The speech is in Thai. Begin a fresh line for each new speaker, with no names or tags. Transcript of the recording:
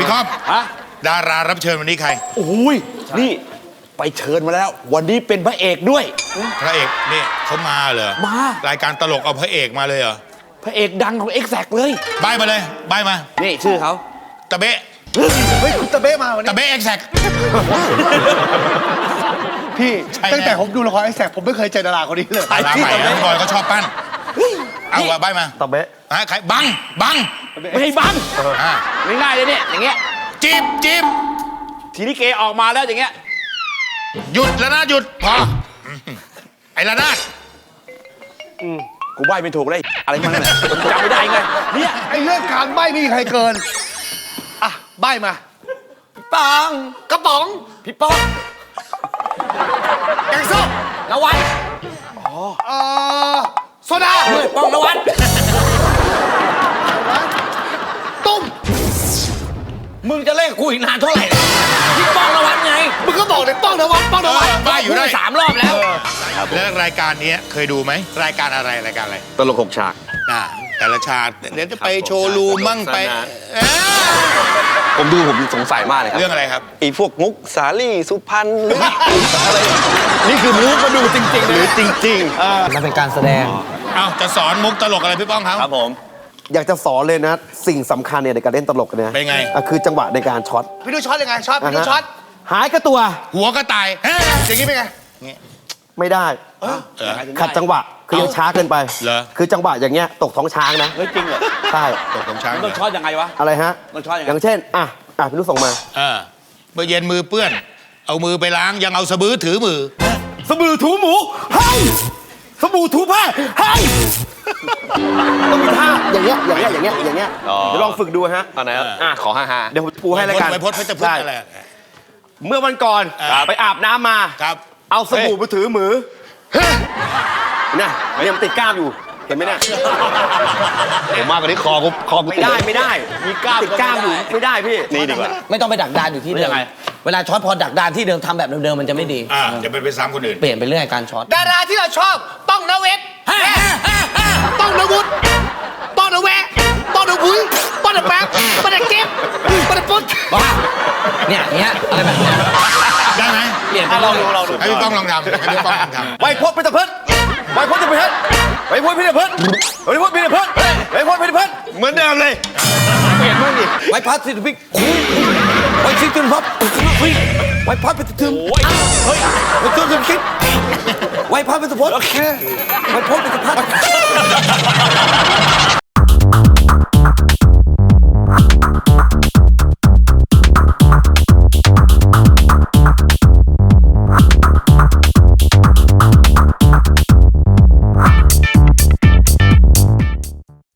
คอมดารารับเชิญวันนี้ใคร
โอ้ยนี่ไปเชิญมาแล้ววันนี้เป็นพระเอกด้วย
พระเอกนี่เขามาเหรอ
มาร
ายการตลกเอาพระเอกมาเลยเหรอ
พระเอกดังของExactเลย
ใบมาเลยใบมา
นี่ชื่อเขา
ตะเบ๊ะ
เฮ้ยคุณตะเบ๊ะมาวันนี้
ตะเบ๊ะExact
พี่ตั้งแต่ผมดูละครExactผมไม่เคยเจอดาราคนนี้เลย
ดาราใหม่นะบอยเขาชอบปั้นเอาว่าใบมา
ตะเบ๊ะ
ใครบัง
ไม่ให้บังง่ายๆเลยเนี่ยอย่างเงี้ย
จีบ
ทีนี้เกออกมาแล้วอย่างเงี้ย
หยุดแล้วนะหยุดพอไอ้ระนาด
กูใบไม่ถูกเลยอะไรมันเนี่ยจำไม่ได้ไงเนี่ย
ไอ้เรื่องการใบไม่มีใครเกินอ่ะใบมา
ปัง
กระป๋อง
พี่ป๊อก
แกงส้ม
นวัด
โซดา
ป้องนวัด
ตุ้ม
มึงจะเล่นกูอีกนานเท่าไหร่พี่ป้องนวัดไง
มึงก็บอกเลยป้องนวัด
บ้าอยู่ได้
3 รอบแล้ว
แล้วรายการนี้เคยดูไหมรายการอะไร
ตลก6 ฉาก
แต่ละฉากเดี๋ยวจะไปโชว์รูมมั่งไป
ผมสงสัยมากเลยครับ
เรื่องอะไรครับ
ไอ้พวกมุกสาลี่สุพรรณหรืออะไร
นี่คือมุกมาดูจริงๆ
หรือจริง
มันเป็นการแสดง
จะสอนมุกตลกอะไรพี่ป้อง
ครับผม
อยากจะสอนเลยนะสิ่งสำคัญเนี่ยในการเล่นตลกเนี่ย
เป็นไง
คือจังหวะในการช็อต
พี่ดูช็อตยังไงพี่ดูช็อต
หายกระตัว
หัวก็ตาย
อย่างนี้เป็นไง
ไม่ได้ขัดจังหวะคือยังช้าเกินไปคือจังหวะอย่างเงี้ยตกท้องช้างนะ
จริงเหรอ
ใช่
ตกท้องช้าง
ต้องช็อตยังไงวะ
อะไรฮะ
ต้องช็อต
อย่างเช่นพี่นุ๊กส่งมา
เมื่อเย็นมือเปื้อนเอามือไปล้างยังเอาสบู่ถือมือ
สบู่ถูหมูให้สบู่ถูผ้าให้ต้องมีท่าอย่างเงี้ยเดี๋ยวลองฝึกดูฮะ
ตอนไหนขอฮ่า
เดี๋ยวผมปูให้แล้วกัน
ไม่พดจะพูดอะไร
เมื่อวันก่อนไปอาบน้ำมาเอาสบู่ไปถือมือเนี่ยมันติดกล้ามอยู่เห็นไหมเนี่ย
ผมมากกว่านี้คอกู
ไม่ได้มีกล้ามติดกล้ามอยู่ไม่ได้พี่
นี่ดีกว่า
ไม่ต้องไปดักดานอยู่ที่เดิมเวลาช็อตพอดักดานที่เดิมทำแบบเดิมมันจะไม่ดี
จะเป็นไปซ้ำคนอื่น
เปลี่ยนไปเรื่อยการช็อต
ดาราที่เราชอบต้องนเวทต้องนวุฒิต้องนแวะต้องนบุ้ยต้องนแป๊บต้องนเก็บต้องนปุ๊ด
เนี่ยอะไรแบบนี้
ได้ไหม
เปลี่ยนไปลองดู
ให้พี่ป้องลองทำ
ไวโพจน์พิธเพชรไวโพจน์พิธเพชรไวโพจน์พิธเพชรไวโพจน์พิธเพชรไวโพจน์พิธเพชร
เหมือนเดิมเลย
เปลี่ยนบ้างดิไวพัดสิทธิพิกไวชิดจุนพับไวพัดเป็นถึงเฮ้ยไวจุนคิดไวพัดเป็นสุพจน์ไวโพจน์เป็นสุพัฒน์